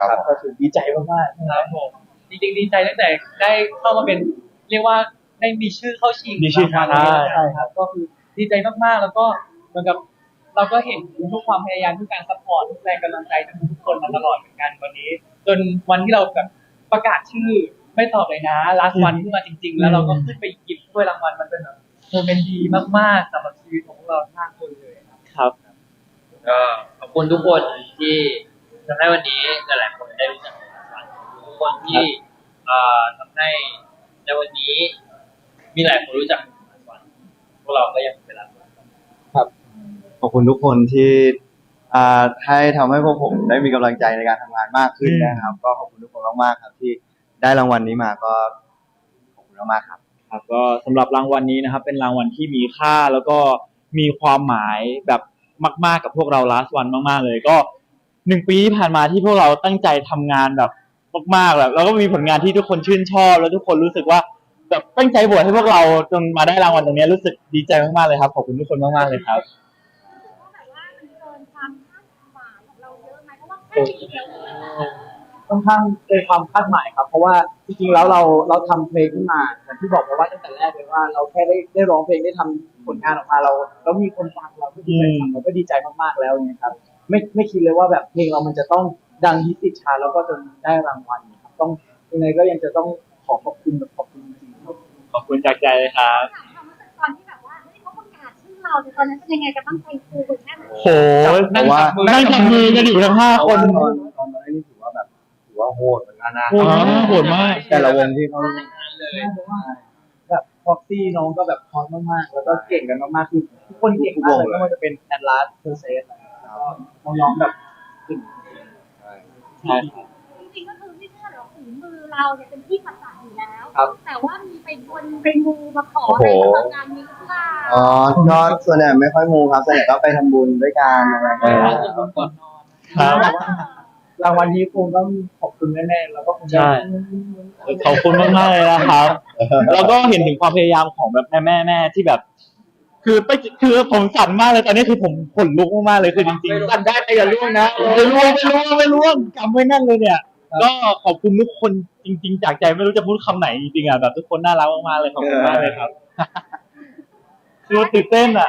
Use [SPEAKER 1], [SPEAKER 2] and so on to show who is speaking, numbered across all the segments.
[SPEAKER 1] ครับก็คือดีใจมากๆ
[SPEAKER 2] ครับผมจริงๆดีใจตั้งแต่ได้เข้ามาเป็นเรียกว่าได้มีชื่อเข้าชิง
[SPEAKER 1] มีชื่อ
[SPEAKER 2] รางวัลนี้
[SPEAKER 1] ใช่
[SPEAKER 2] ครับก็คือดีใจมากๆแล้วก็เหมือนกับเราก็เห็นทุกความพยายามทุกการซัพพอร์ตทุกแรงกำลังใจจากทุกคนมาตลอดเหมือนกันวันนี้จนวันที่เราแบบประกาศชื่อไม่ตอบเลยนะลาสวันขึ้นมาจริงๆแล้วเราก็ขึ้นไปหยิบถ้วยรางวัลมันเป็นแบบโมเมนต์ดีมากๆสำหรับชีวิตของพวกเราทั้งคนเลยครับ
[SPEAKER 1] ครับ
[SPEAKER 3] ก็ขอบคุณทุกคนที่ทำให้วันนี้หลายๆคนได้รู้จักกันทุกคนที่ทำให้ในวันนี้มีหลายคนรู้จักกันพวกเราก็ยังเป็นรักกัน
[SPEAKER 4] ครับขอบคุณทุกคนที่ให้ทำให้พวกผมได้มีกำลังใจในการทำงานมากขึ้นนะครับก็ขอบคุณทุกคนมากๆครับที่ได้รางวัลนี้มาก็ขอบคุณมากๆครับ
[SPEAKER 1] ครับก็สำหรับรางวัลนี้นะครับเป็นรางวัลที่มีค่าแล้วก็มีความหมายแบบมากๆกับพวกเรา last one มากๆเลยก็1 ปีที่ผ่านมาที่พวกเราตั้งใจทำงานแบบมากๆแบบแล้วก็มีผลงานที่ทุกคนชื่นชอบแล้วทุกคนรู้สึกว่าแบบตั้งใจโหวตให้พวกเราจนมาได้รางวัลตรงนี้รู้สึกดีใจมากๆเลยครับขอบคุณทุกคนมากๆเลยครับ
[SPEAKER 5] แบบว่ามันเกินความคาดหมายของเราเยอะไหมเพราะว่าแค่ปีเดียว
[SPEAKER 6] ค่อนข้างเกินความคาดหมายครับเพราะว่าจริงๆแล้วเราทำเพลงขึ้นมาอย่างที่บอกไปว่าตั้งแต่แรกเลยว่าเราแค่ได้ร้องเพลงได้ทำผลงานออกมาเราแล้วมีคนฟังเราก็ดีใจเราก็ดีใจมากๆแล้วเนี่ยครับไม่คิดเลยว่าแบบเพลงเรามันจะต้องดังฮิตติดชาร์ตแล้วก็จนได้รางวัลครับต้องยังไงก็ยังจะต้องขอบคุณแบบขอบคุณจริงๆครับ
[SPEAKER 1] ขอบคุณจากใจเลยครับ
[SPEAKER 5] ถามความรู้สึกตอนที่แบบว่าเฮ้ยเขาประกาศชื่อเราเนี่ยตอนนั้นเป็นยังไงกันบ้างใจฟูกันแค่ไหน
[SPEAKER 1] โหนั่งจับมือกันอยู่ทั้ง5 คน
[SPEAKER 4] ตอนนั้นนี่ถือว่าโหดเหมือนกันนะ
[SPEAKER 1] โหดมาก
[SPEAKER 4] แต่ละวงที่เขา
[SPEAKER 6] แบบพ็อกซี่น้องก็แบบพอมมากๆแล้วก็เก่งกันมากๆคือทุกคนเก่งมากเลยไม่ว่าจะเป็นแอดลาสเพอร์เซสน้องๆแบบเก่ง
[SPEAKER 1] ใช่ครับ
[SPEAKER 5] จริงๆก็คือไม่เชื่อหรอกฝีมือเราเนี่ยเป็นที่ประจักษ์อยู่แล้ว
[SPEAKER 6] ครับ
[SPEAKER 5] แต่ว่ามีไปบนไปมูมาขออะไรสำหรับงานนี้หรือเปล่า
[SPEAKER 4] อ๋อก็ส่วนใหญ่ไม่ค่อยมูครับส่วนใหญ่ก็ไปทำบุญด้วยกันอะไรอย่างเงี้ย
[SPEAKER 1] ครับ
[SPEAKER 6] รางวัลนี้คงต้องขอบคุณแน่ๆแล้วก็คงจะ
[SPEAKER 1] ใช่ ขอบคุณมากๆเลยนะครับ แล้วก็เห็นถึงความพยายามของแบบแม่ที่แบบ คือผมสั่นมากเลยตอนนี้คือผมขนลุกมากๆเลยคือจริงๆสั่นได้แต่อย่าล่วงนะไม่ล่วงกำไว้แน่นเลยเนี่ย ก็ขอบคุณทุกคนจริงๆจากใจไม่รู้จะพูดคำไหนจริงๆอ่ะแบบทุกคนน่ารักมากๆเลยขอบคุณมากเลยครับ คือตื่นเต้นอ่ะ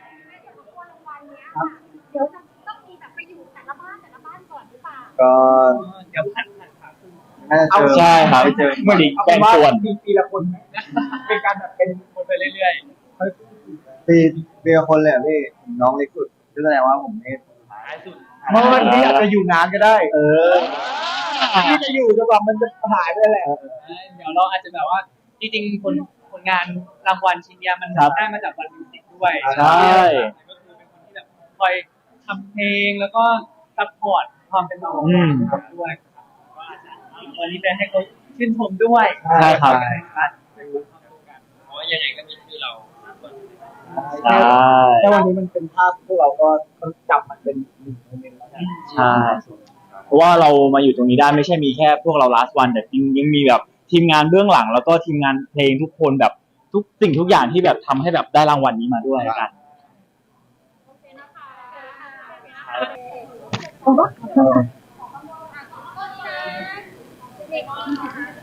[SPEAKER 5] เดี๋ยวจะต้องมีแบบไปอยู่แต่ละบ้านก่อนหรือเปล่า
[SPEAKER 4] ก็
[SPEAKER 2] เดี๋ยวผ่านขาขึ้น
[SPEAKER 4] น่าจะเจอ
[SPEAKER 1] ใช่ครับ
[SPEAKER 4] ไปเจอ
[SPEAKER 1] เหมือนอีก
[SPEAKER 6] เอา
[SPEAKER 1] แบ่
[SPEAKER 6] เป็น
[SPEAKER 1] ง
[SPEAKER 6] ว่า
[SPEAKER 1] ส่วน
[SPEAKER 6] ปีละคนเป็นการแบบเป็น
[SPEAKER 2] คนไปเรื่อย
[SPEAKER 4] ปีละคนเลยอ่ะพี่น้องเล็กสุดก็แสดงว่าผมนี่
[SPEAKER 2] ๆท้ายสุด
[SPEAKER 6] เมื่อวันนี้อาจจะอยู่นานก็ได้ ที่จะอยู่จนกว่ามันจะหายไปแหละ
[SPEAKER 2] เดี๋ยวเราอาจจะแบบว่าจริงๆผลงานรางวัลชิ้นเนี้ยมัน
[SPEAKER 1] ครับ
[SPEAKER 2] ได้มาจากวันมิวสิกด้วย
[SPEAKER 1] ใช่
[SPEAKER 2] ก็คือเป็นคนที่แบบคอยทำเพลงแล้วก็ซัพพอร์ตความเป็นเราด้วยครับก็อาจจะวันนี้จะให้เขาชื่นชมด้วย
[SPEAKER 1] ใช่ครับ
[SPEAKER 3] เพราะว่ายังไงก็มีชื่อเราคน
[SPEAKER 1] ใช่
[SPEAKER 6] แต่วันนี้มันเป็นภาพพวกเราก็จับมันเป็นหนึ่งโมเมนต์แล้วกัน
[SPEAKER 1] ใช่ เพราะว่าเรามาอยู่ตรงนี้ได้ไม่ใช่มีแค่พวกเรา last one แต่จริงยังมีแบบทีมงานเบื้องหลัง แล้วก็ทีมงานเพลงทุกคนแบบทุกสิ่งทุกอย่างที่แบบทำให้แบบได้รางวัลนี้มาด้วยกัน
[SPEAKER 5] โอเคนะคะ เด็ก